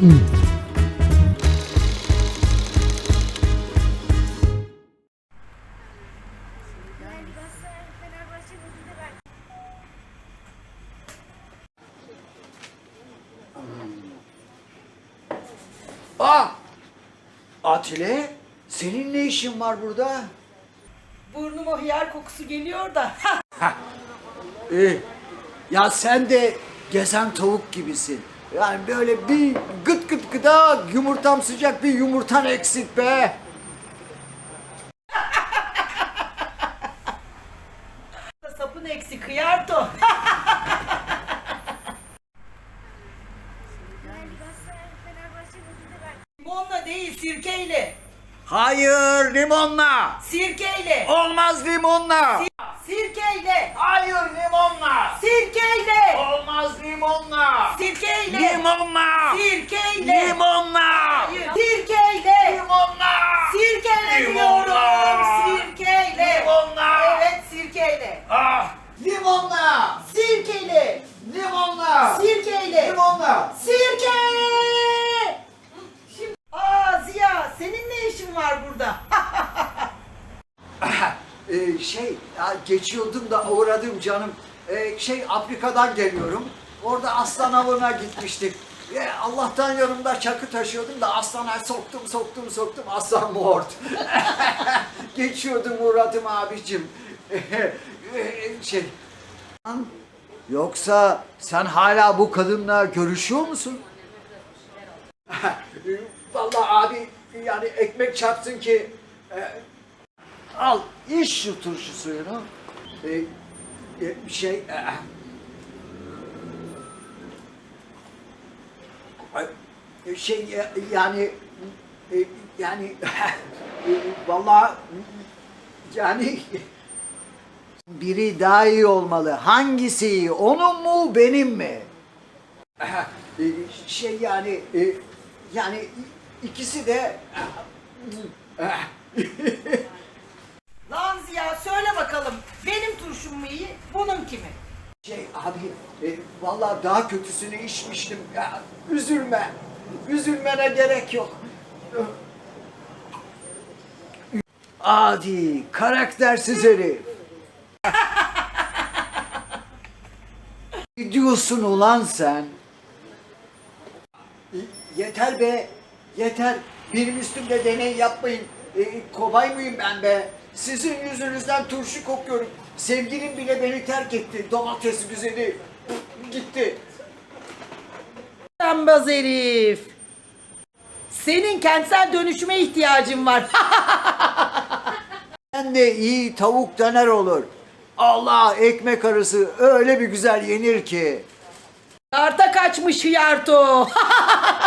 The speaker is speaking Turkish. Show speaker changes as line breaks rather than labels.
Aa! Atile, senin ne işin var burada?
Burnuma hıyar kokusu geliyor da.
Ya sen de gezen tavuk gibisin. Yani böyle bir gıt gıt gıda yumurtam sıcak bir yumurtan eksik be.
Sapın eksik hıyarto. Limonla değil sirkeyle.
Hayır limonla.
Sirkeyle.
Olmaz limonla.
Sirkeyle.
Hayır limonla.
Sirkeyle.
Olmaz limonla.
Sirkeyle.
Limonla.
Sirkeyle.
Limonla.
Hayır. Sirkeyle.
Limonla.
Sirkeyle
Limonla.
diyorum. Sirkeyle.
Limonla.
Evet sirkeyle.
Ah. Limonla.
Sirkeyle.
Limonla.
Sirkeyle.
Limonla.
Sirke! Ziya, senin ne işin var burada?
Geçiyordum da uğradım canım. Afrika'dan geliyorum. Orada aslan avına gitmiştik. Allah'tan yanımda çakı taşıyordum da aslana soktum. Aslan mort. Geçiyordum uğradım abicim. Yoksa sen hala bu kadınla görüşüyor musun? Vallahi abi yani ekmek çarpsın ki al iç şu turşu suyunu. Yani vallahi yani biri daha iyi olmalı. Hangisi iyi? Onun mu benim mi? Yani ikisi de
Lan Ziya söyle bakalım, benim turşum mu iyi, bunun kimi?
vallahi daha kötüsünü içmiştim. Ya, üzülme. Üzülmene gerek yok. Adi, karaktersiz herif. Ne diyorsun ulan sen? Yeter be, yeter. Benim üstümde deney yapmayın. Kobay mıyım ben be? Sizin yüzünüzden turşu kokuyorum. Sevgilim bile beni terk etti. Domates güzeli. Gitti.
Rambaz herif. Senin kentsel dönüşüme ihtiyacın var.
Ben de iyi tavuk döner olur. Allah ekmek arası öyle bir güzel yenir ki.
Arta kaçmış hıyarto.